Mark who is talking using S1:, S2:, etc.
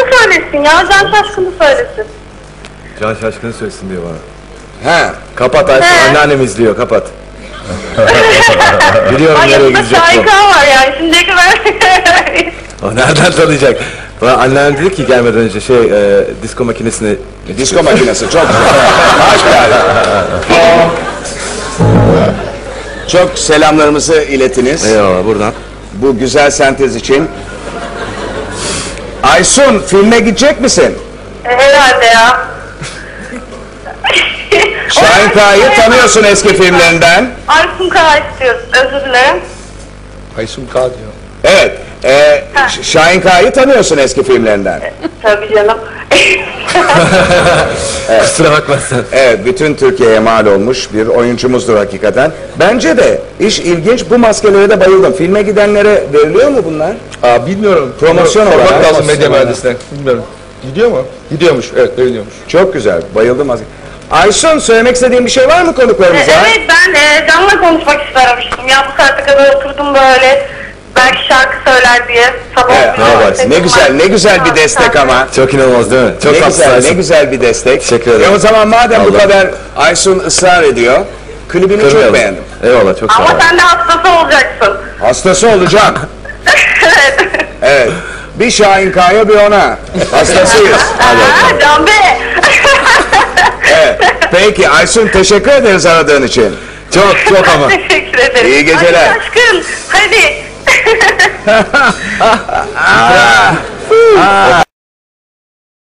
S1: söylesin ya. Can Şaşkın'ı söylesin.
S2: Can Şaşkın'ı söylesin diyor bana.
S3: He.
S2: Kapat Aysun, anneannem izliyor, kapat. Biliyorum nereye gidecek bu.
S1: Şahika var yani. Şimdiye kadar.
S2: O nereden tanıyacak? Bana anneannem dedi ki gelmeden önce disko makinesini...
S3: Disko makinesi çok güzel. Harika. Çok selamlarımızı iletiniz.
S2: Eyvallah, buradan.
S3: Bu güzel sentez için. Aysun, filme gidecek misin?
S1: Herhalde ya.
S3: Şahin Kağa'yı tanıyorsun eski filmlerinden.
S1: Aysun Kağ istiyoruz. Özür dilerim.
S4: Aysun Kağ diyor.
S3: Evet. Şahin Kağa'yı tanıyorsun eski filmlerinden.
S1: Tabii canım.
S2: Kusura bakma sen.
S3: Evet, bütün Türkiye'ye mal olmuş bir oyuncumuzdur hakikaten. Bence de iş ilginç, bu maskelere de bayıldım. Filme gidenlere veriliyor mu bunlar?
S4: Bilmiyorum.
S3: Promosyon olarak.
S4: Sormak lazım medya
S3: Promosyon
S4: mühendisine. Bilmiyorum. Gidiyor mu? Gidiyormuş. Evet, veriliyormuş.
S3: Çok güzel, bayıldım. Aysun, söylemek istediğin bir şey var mı konuklarımıza?
S1: Evet, ben Can'la konuşmak istemiştim. Ya bu saate kadar oturdum böyle. Belki şarkı söyler diye. Sabah
S3: Evet, ne güzel bir destek ama.
S2: Çok inanılmaz değil mi? Çok
S3: Ne güzel bir destek.
S2: Teşekkür ederim.
S3: O zaman madem bu
S2: Allah.
S3: kadar Aysun ısrar ediyor, klibini çok
S2: Kırmayalım.
S3: beğendim.
S2: Eyvallah, çok sağ ol.
S1: Ama sen de hastası olacaksın.
S3: Hastası olacak.
S1: Evet.
S3: Evet. Bir Şahin Kağa'ya bir ona. Hastasıyız.
S1: Can Bey.
S3: Evet. Peki Aysun, teşekkür ederiz aradığın için.
S2: Çok ama.
S1: Teşekkür ederim.
S3: İyi geceler.
S1: Hadi aşkım. Hadi.